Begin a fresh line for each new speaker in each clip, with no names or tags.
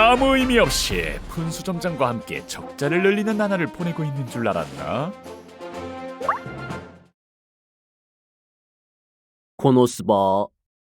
아무 의미 없이 분수점장과 함께 적자를 늘리는 나날을 보내고 있는 줄 알았나?
코노스바.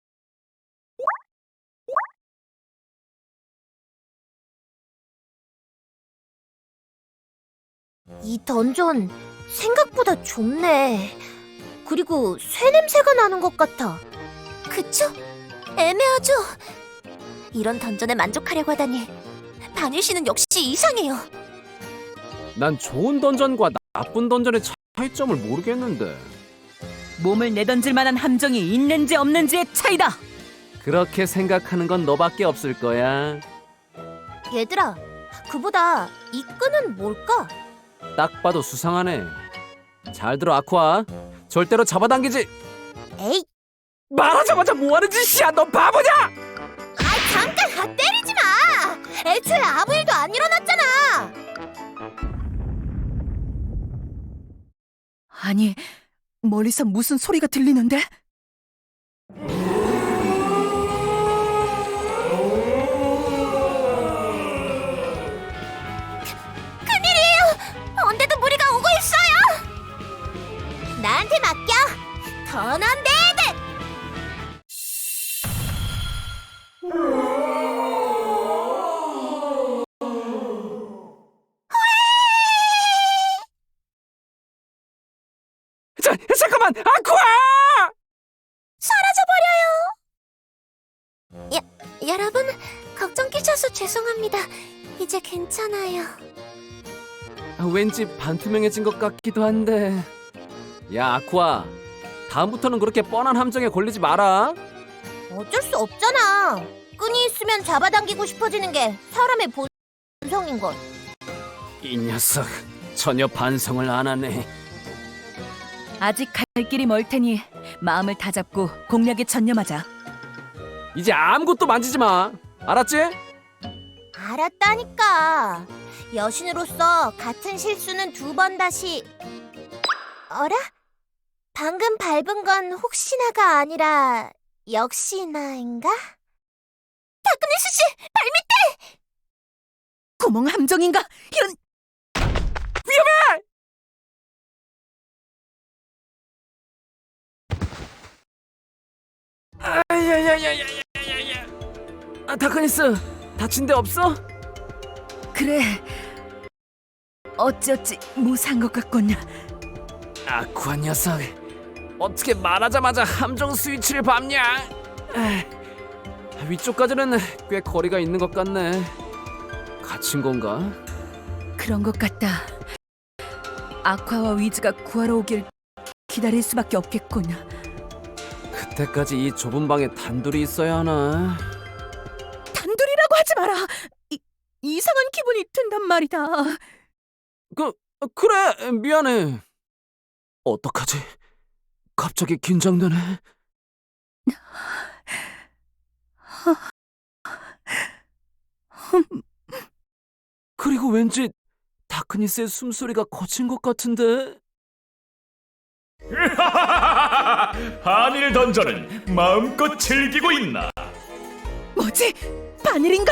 이 던전 생각보다 좁네. 그리고 쇠 냄새가 나는 것 같아. 그쵸? 애매하죠? 이런 던전에 만족하려고 하다니 바닐 씨는 역시 이상해요.
난 좋은 던전과 나쁜 던전의 차이점을 모르겠는데.
몸을 내던질 만한 함정이 있는지 없는지의 차이다.
그렇게 생각하는 건 너밖에 없을 거야.
얘들아, 그보다 이 끈은 뭘까?
딱 봐도 수상하네. 잘 들어, 아쿠아. 절대로 잡아당기지.
에이,
말하자마자 뭐하는 짓이야, 너 바보냐!
잠깐 때리지 마! 애초에 아무 일도 안 일어났잖아!
아니, 멀리서 무슨 소리가 들리는데?
언제도 무리가 오고 있어요! 나한테 맡겨! 던언데드!
잠깐만, 아쿠아!
여러분, 걱정 끼쳐서 죄송합니다. 이제 괜찮아요.
왠지 반투명해진 것 같기도 한데. 야, 아쿠아. 다음부터는 그렇게 뻔한 함정에 걸리지 마라.
어쩔 수 없잖아. 끈이 있으면 잡아당기고 싶어지는 게 사람의 본성인걸.
이 녀석 전혀 반성을 안 하네.
아직 갈 길이 멀 테니 마음을 다잡고 공략에 전념하자.
이제 아무것도 만지지 마. 알았지?
알았다니까. 여신으로서 같은 실수는 2번 다시. 어라? 방금 밟은 건 혹시나가 아니라 역시나인가? 다크네스 씨, 발밑!
구멍 함정인가? 이런.
야야야야야야야야. 다크니스 다친 데 없어?
그래. 어찌어찌 무사한 것 같군.
아쿠아 녀석 어떻게 말하자마자 함정 스위치를 밟냐? 위쪽까지는 꽤 거리가 있는 것 같네. 갇힌 건가?
그런 것 같다. 아쿠아와 위즈가 구하러 오길 기다릴 수밖에 없겠군.
그때까지 이 좁은 방에 단둘이 있어야 하나?
단둘이라고 하지 마라. 이상한 기분이 든단 말이다.
그래 미안해. 어떡하지? 갑자기 긴장되네. 그리고 왠지 다크니스의 숨소리가 거친 것 같은데.
한일 던전은 마음껏 즐기고 있나?
뭐지? 바닐인가?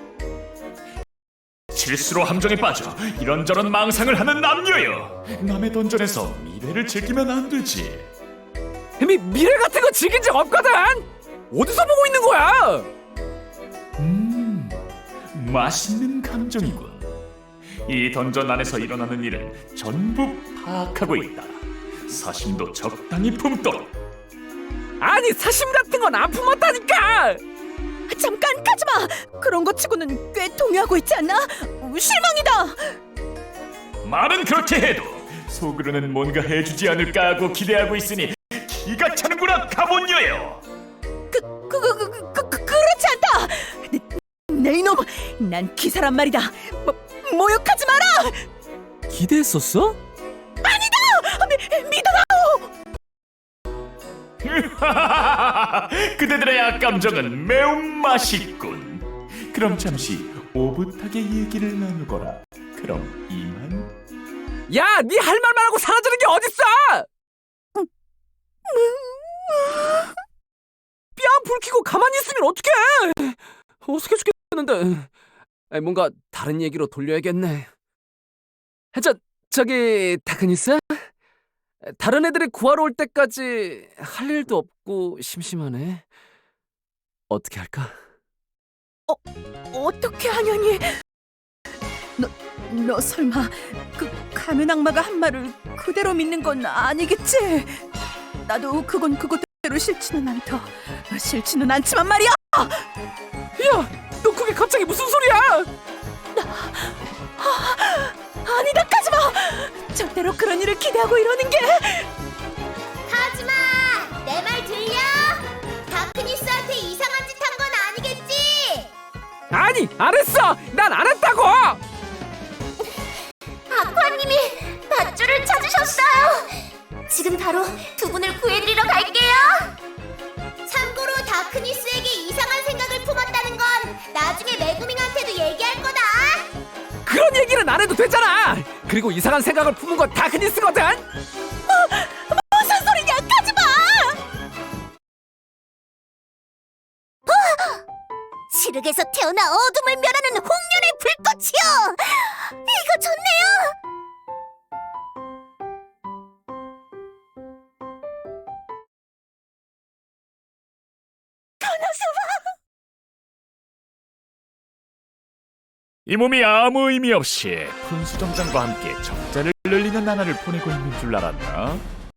실수로 함정에 빠져 이런저런 망상을 하는 남녀여. 남의 던전에서 미래를 즐기면 안 되지.
미래 같은 거 즐긴 적 없거든. 어디서 보고 있는 거야?
맛있는 감정이군. 이 던전 안에서 일어나는 일은 전부 파악하고 있다. 사심도 적당히 품도록.
아니 사심 같은 건 안 품었다니까.
잠깐 가지마. 그런 거 치고는 꽤 동요하고 있지 않나? 실망이다.
말은 그렇게 해도 속으로는 뭔가 해주지 않을까 하고 기대하고 있으니 기가 차는구나 가본녀여.
그렇지 않다. 내 이놈, 난 기사란 말이다. 모욕하지 마라.
기대했었어?
믿어라.
그대들의 악감정은 매우 맛있군. 그럼 잠시 오붓하게 얘기를 나누거라. 그럼 이만.
야, 네 할 말만 하고 사라지는 게 어딨어? 뺨 불 켜고 가만히 있으면 어떡해? 어색해 죽겠는데. 뭔가 다른 얘기로 돌려야겠네. 저기 다크니스? 다른 애들이 구하러 올 때까지 할 일도 없고 심심하네. 어떻게 할까?
어떻게 하냐니? 너 설마 그 가면 악마가 한 말을 그대로 믿는 건 아니겠지? 나도 그건 그것대로 싫지는 않다. 싫지는 않지만 말이야.
야, 너 그게 갑자기 무슨 소리야?
아니다, 카즈마. 절대로 그런 일을 기대하고 이러는 게.
하지마! 내 말 들려? 다크니스한테 이상한 짓 한 건 아니겠지?
아니, 안 했어. 난 안 했다고.
아쿠아님이 밧줄을 찾으셨어요. 지금 바로 두 분을 구해드리러 갈게요. 참고로 다크니스에게 이상한 생각을 품었다는 건 나중에 메구밍한테도 얘기할 거다.
그런 얘기는 안 해도 되잖아. 그리고 이상한 생각을 품은 건 다크니스거든.
무슨 소리냐, 가지마! 시륵에서 태어나 어둠을 멸하는 홍련의 불꽃이여! 이거 좋네요!
이 몸이 아무 의미 없이 분수정장과 함께 적자를 늘리는 나날을 보내고 있는 줄 알았나?